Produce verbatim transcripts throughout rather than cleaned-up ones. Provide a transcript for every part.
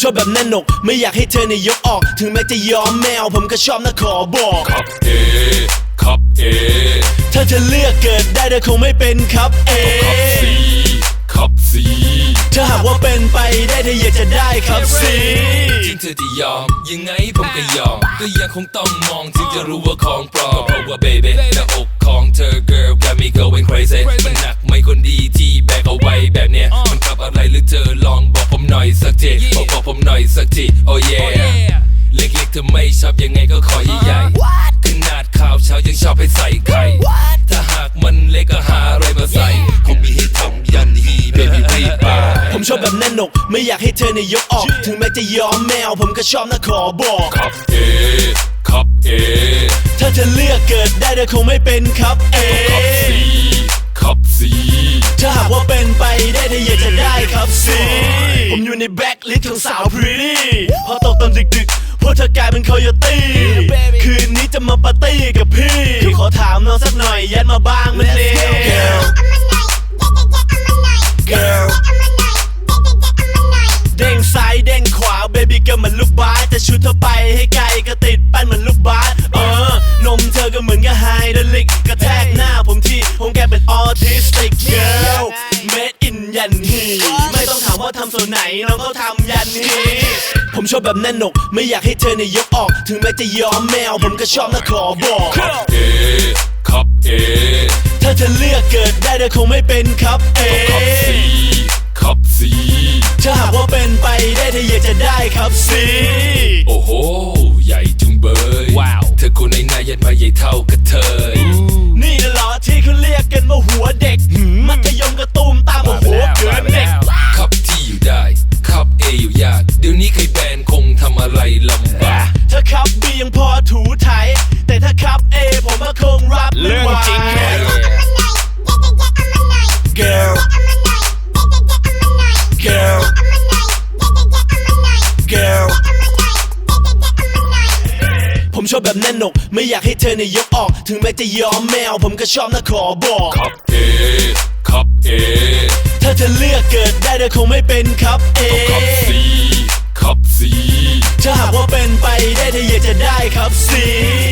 ชอบแบบแน่นหนกไม่อยากให้เธอเนี่ยยกออกถึงแม้จะยอมแมวผมก็ชอบนะขอบอกครับเอครับเอถ้าเธอเลือกเกิดได้เธอคงไม่เป็นครับเอครับซีครับซีถ้าหากว่าเป็นไปได้เธออยากจะได้ครับซีจริงเธอจะยอมยังไงผมก็ยอมก็ยังคงต้องมองถึงจะรู้ว่าของปลอมก็เพราะว่า baby หน้าอกของเธอ girl got me going crazy มันหนักไม่คนดีที่แบกเอาไว้แบบเนี้ยมันขับอะไรหรือเธอลองบอกผมหน่อยสักทีบอกบอกผมหน่อยสักที oh yeah เล็กๆเธอไม่ชอบยังไงก็ขอใหญ่ๆขนาดข่าวเช้ายังชอบให้ใส่ไข่ถ้าหากมันเล็กก็หาอะไรมาใส่คงมีให้ทำยันฮี baby รีบมาผมชอบแบบแน่นหนกไม่อยากให้เธอเนี่ยยกออกถึงแม้จะยอมแมวผมก็ชอบนะขอบอกครับเอครับเอถ้าเธอเลือกเกิดได้เธอคงไม่เป็นครับเอครับซีครับซีถ้าหากว่าเป็นไปได้เธออยากจะได้ครับซีผมอยู่ในแบ็คลิสต์ของสาวพรีตี้พอตกตอนดึกๆพวกเธอกลายเป็นโคโยตี้คืนนี้จะมาปาร์ตี้กับพี่ขอถามน้องสักหน่อยยัดมาบ้างมันเร็ว girl girl เด้งซ้ายเด้งขวา baby ก็เหมือนลูกบาสแต่ชุดเธอไปให้ไกลก็ติดปั้นเหมือนลูกบาสเออนมเธอก็เหมือนกับไฮดรอลิกกระแทกหน้าผมที่ผมแกเป็นออทิสติก girl made in ยันฮีไม่ต้องถามว่าทำส่วนไหนน้องเขาทำยันฮีผมชอบแบบแน่นหนกไม่อยากให้เธอเนี่ยยกออกถึงแม้จะยอมแมวผมก็ชอบนะขอบอกครับเอครับเอถ้าเธอเลือกเกิดได้เธอคงไม่เป็นครับเอครับซีครับซีถ้าหากว่าเป็นไปได้เธออยากจะได้ครับซีโอ้โหใหญ่จุงเบยว้าวเธอคนไหนหน้ายันมาใหญ่เท่ากับเธอนี่น่ะเหรอที่เขาเรียกกันว่าหัวเด็กมัธยมกระตุ้มตามหัวเกินเด็กครับที่อยู่ได้ครับเออยู่ยากเดี๋ยวนี้ใครแบนคงทำอะไรลำบากถ้าครับบียังพอถูไถแต่ถ้าครับเอผมก็คงรับไม่ไหว girl girl girl ผมชอบแบบแน่นหนกไม่อยากให้เธอเนี่ยยกออกถึงแม้จะยอมแมวผมก็ชอบนะขอบอกครับเอครับเอถ้าเธอเลือกเกิดได้เธอคงไม่เป็นครับเอครับซีครับซีถ้าหากว่าเป็นไปได้เธออยากจะได้ครับซี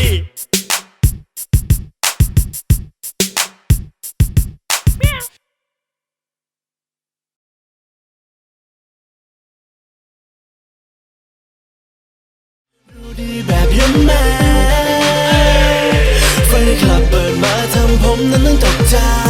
ดีแบบยมแม่ไฟในคลับเปิดมาทำผมนั้นต้องตกใจ